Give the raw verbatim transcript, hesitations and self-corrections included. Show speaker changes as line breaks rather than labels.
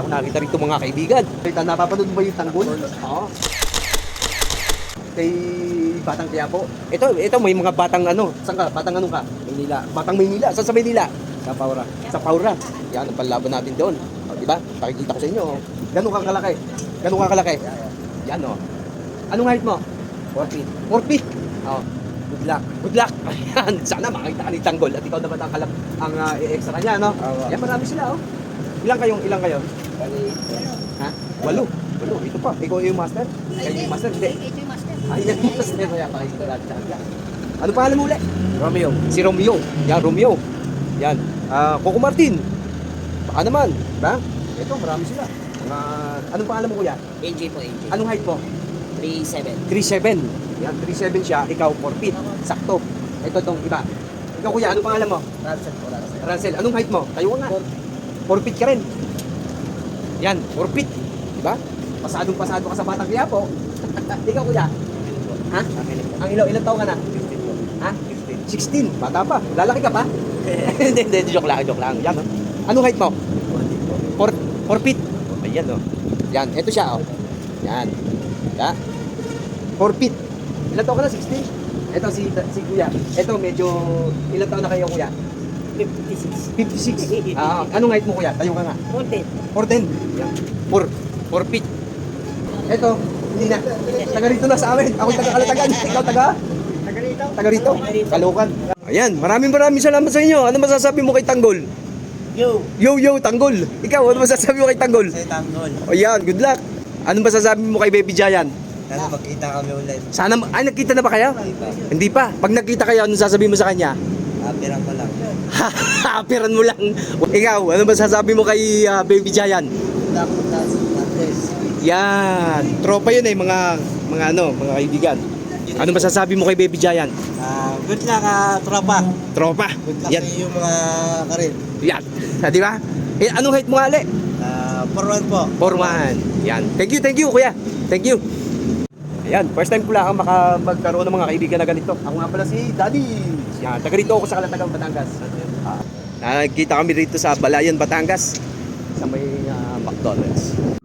ako nakita rito mga kaibigan. Kita, napapanood mo ba yung tanggol? Oo. Kay Batang Quiapo. Ito, ito may mga batang ano. Saan ka? Batang ano ka? Maynila. Batang Maynila. Saan sa Maynila? Sa Paura. Sa Paura. Yan, ang panlaban natin doon. O, diba? Pakikita ko sa inyo. Ganun kang kalaki. Ganun kang kalaki. Yan o. Anong height mo? four feet. four feet? Oo. Good luck. Good luck. Ayan. Sana makita ka ni Tanggol. At ikaw naman ang kalap, ang uh, extra niya, no? Uh, Yan, marami sila, oh. Ilang kayong, ilang kayo? Ha? Walo. Walo. Ito pa. Ikaw yung master? Kayo yung master? Hindi.
Ito yung master.
Ay, yan yung master. Kaya pakikita natin. Ano pangalan mo ulit? Romeo. Si Romeo. Yan, Romeo. Yan. Uh, Coco Martin. Baka naman. Diba? Ito, marami sila. Uh, anong pangalan mo, kuya?
A J po, A J.
Anong height mo?
three seven.
three seven. Yan, three seven siya. Ikaw, four feet. Sakto. Ito tong iba. Ikaw, kuya, anong pangalan mo?
Ransel po, Ransel.
Ransel. Anong height mo? Tayo nga. four feet ka rin. Yan, four feet. Diba? Pasadong pasado ka sa Batang Quiapo. Ikaw, kuya? Ha? Ang ilaw, ilang taon ka na? Ha? sixteen. Bata pa. Lalaki ka pa? Hindi, hindi. Joke lang, joke lang. Yan, oh. Anong height mo? four feet. Ayan, oh. Yan, ito siya, oh. Yan. Ya. four feet. Ilang taon ka na? sixteen? Ito si, si kuya. Ito medyo, ilang taon na kayo, kuya?
fifty-six.
fifty-six. Ah, anong height mo, kuya? Tayo ka nga.
fourteen.
fourteen. Yan. four. four feet. Ito, hindi na. Taga rito na sa amin. Ako taga Kalatagan. Ikaw taga?
Taga rito.
Taga rito? Kalukan. Ayan, maraming maraming salamat sa inyo. Ano masasabi mo kay Tanggol?
Yo.
Yo, yo, Tanggol. Ikaw, ano masasabi mo kay Tanggol?
Say Tanggol.
Ayan, good luck. Ano masasabi mo kay Baby Giant?
Sana magkita kami ulit.
Sana, ay, nagkita na ba kayo? Hindi pa. Pag nagkita kayo, anong sasabihin mo sa kanya?
Apirang ko lang.
Hapiran mo lang. Ikaw, ano masasabi mo kay uh, Baby Giant?
Dapat na Andres.
Yan. Tropa yun eh, mga, mga ano, mga kaibigan. Ano masasabi mo kay Baby Giant?
Ah, good luck, ah, tropa.
Tropa.
Good luck
Yan.
sa iyo mga karin.
Yan. Ah, di ba? Eh, anong height mo nga, Ale?
Ah, for one po.
four one. Yan. Thank you, thank you, kuya. Thank you. Ayan, first time ko lang maka magkaroon ng mga kaibigan na ganito. Ako nga pala si Daddy. Yan, taga rito ako sa Kalatagan, Batangas. Ah, nakikita kami rito sa Balayan, Batangas. Sa may uh, McDonald's.